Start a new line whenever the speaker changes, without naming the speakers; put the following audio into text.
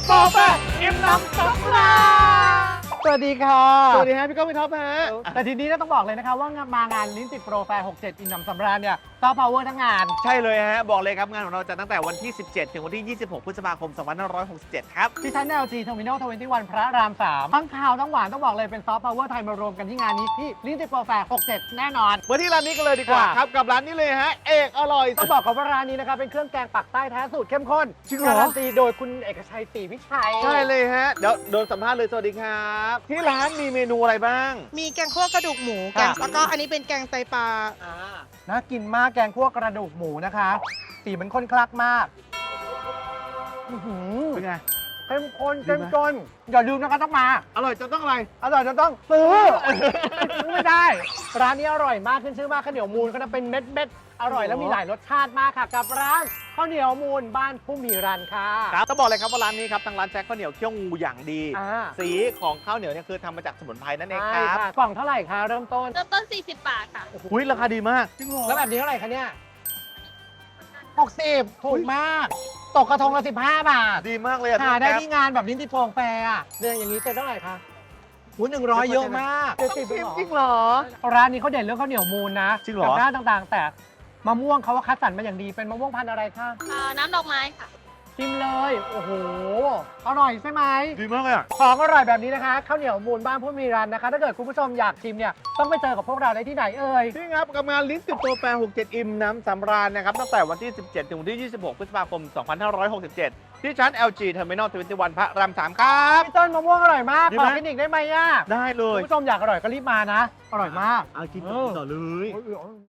โปรแฟร์อิ่มน้ำสำราญสวัสดีค่ะ
สวัสดีฮะพี่ก้องพี่ท็อปฮะ
แต่ทีนี้ต้องบอกเลยนะคะว่ามางานลิ้นติดโปรแฟร์67 อิ่มน้ำสำราญเนี่ยซอฟต์พาวเวอร์ทั้งงาน
ใช่เลยฮะบอกเลยครับงานของเราจะตั้งแต่วันที่ 17 ถึงวันที่ 26 พฤษภาคม 2567 ครับ
ที่ชั้น LG Terminal 21 พระราม 3 ทั้งข่าวทั้งหวานต้องบอกเลยเป็นซอฟต์พาวเวอร์ไทยมารวมกันที่งานนี้ที่ลิ้นติดโปรแฟร์67 แน่นอน
มาที่ร้านนี้กันเลยดีกว่า
ค่ะ
ครับกับร้านนี้เลยฮะเอกอร่อย
ต้องบอกก่อนว่าร้านนี้นะคะเป็นเครื่องแกงปักใต้แท้สูตรเข้มข้น
จริงเหรอ
การันตีโดยคุณเอกชัยศรีวิชัย
ใช่เลยฮะเดี๋ยวโดนสัมภาษณ์เลยสวัสดีครับ ที่ร้านมีเมนูอะไรบ้าง
มีแกงคั่วกระดูกหมูแกงแล้วก็อันนี้เป็นแกงไตปลา
น่ากินมากแกงคั่วกระดูกหมูนะคะสีมันข้นคลักมากอื้อหือ
เป็นไง
เข้มข้น
ดี
เข้ม
ไหม
จนอย่าลืมนะคะต้องมา
อร่อยจะต้องอะไร
อร่อยจนต้องซื้อ ซื้อไม่ได้ ร้านนี้อร่อยมากขึ้นชื่อมากข้าวเหนียวมูลก็จะเป็นเม็ดเม็ดๆอร่อยแล้วมีหลายรสชาติมากค่ะ กับร้านข้าวเหนียวมูลบ้านผู้มีรันค่ะ
ครับต้องบอกเลยครับว่าร้านนี้ครับทางร้านแจ็คข้าวเหนียวเคี่ยวงูอย่างดี
อ่า
สีของข้าวเหนียวเนี่ยคือทำมาจากสมุนไพรนั่นเองค
ใช่
รับ
ค่ะกล่องเท่าไหร่คะเริ่มต้น
เริ่มต้น 40 บาทค่ะ
อุ้ยราคาดีมาก
แล้วแบบนี้เท่าไหร่คะเนี่ย60ถูกมาก ตกกระทงละ15 บาท
ดีมากเลยอะ
หาได้
แก๊ป
ที่งานแบบลิ้นติดโปรแฟร์อะเนี่ยอย่างนี้เซ็นเท่าไหร่คะหู100 เยอะมาก
จริงเหรอ
ร้านนี้เขาเด่นเรื่องข้าวเหนียวมูลนะ
จริงเหรอ
กับด้านต่างๆ แต่มะม่วงเขาว่าคัดสรรมาอย่างดีเป็นมะม่วงพันธุ์อะไรคะ
น้ำดอกไม้ค่ะ
ชิมเลย โอ้โห อร่อยใช่ไหม
ดีมากเลยอะ
ของอร่อยแบบนี้นะคะข้าวเหนียวมูลบ้านผู้มีรันนะคะ ถ้าเกิดคุณผู้ชมอยากชิมเนี่ยต้องไปเจอกับพวกเราได้ที่ไหนเอ่ย
นี่ครับกับงานลิ้นติดโปรแฟร์67 อิ่มน้ำสำราญนะครับตั้งแต่วันที่ 17 ถึงวันที่ 26 พฤษภาคม 2567 ที่ชั้น LG Terminal 21 พระราม 3 ครับ
พี่ต้นมะม่วงอร่อยมาก
ดี
ข
ไหม
อกินอีกได้ไหมอ่ะ
ได้เล
คุ
ย
ณผู้ชมอยากอร่อยก็รีบมานะ อร่อยมาก
เอากินต่อเลย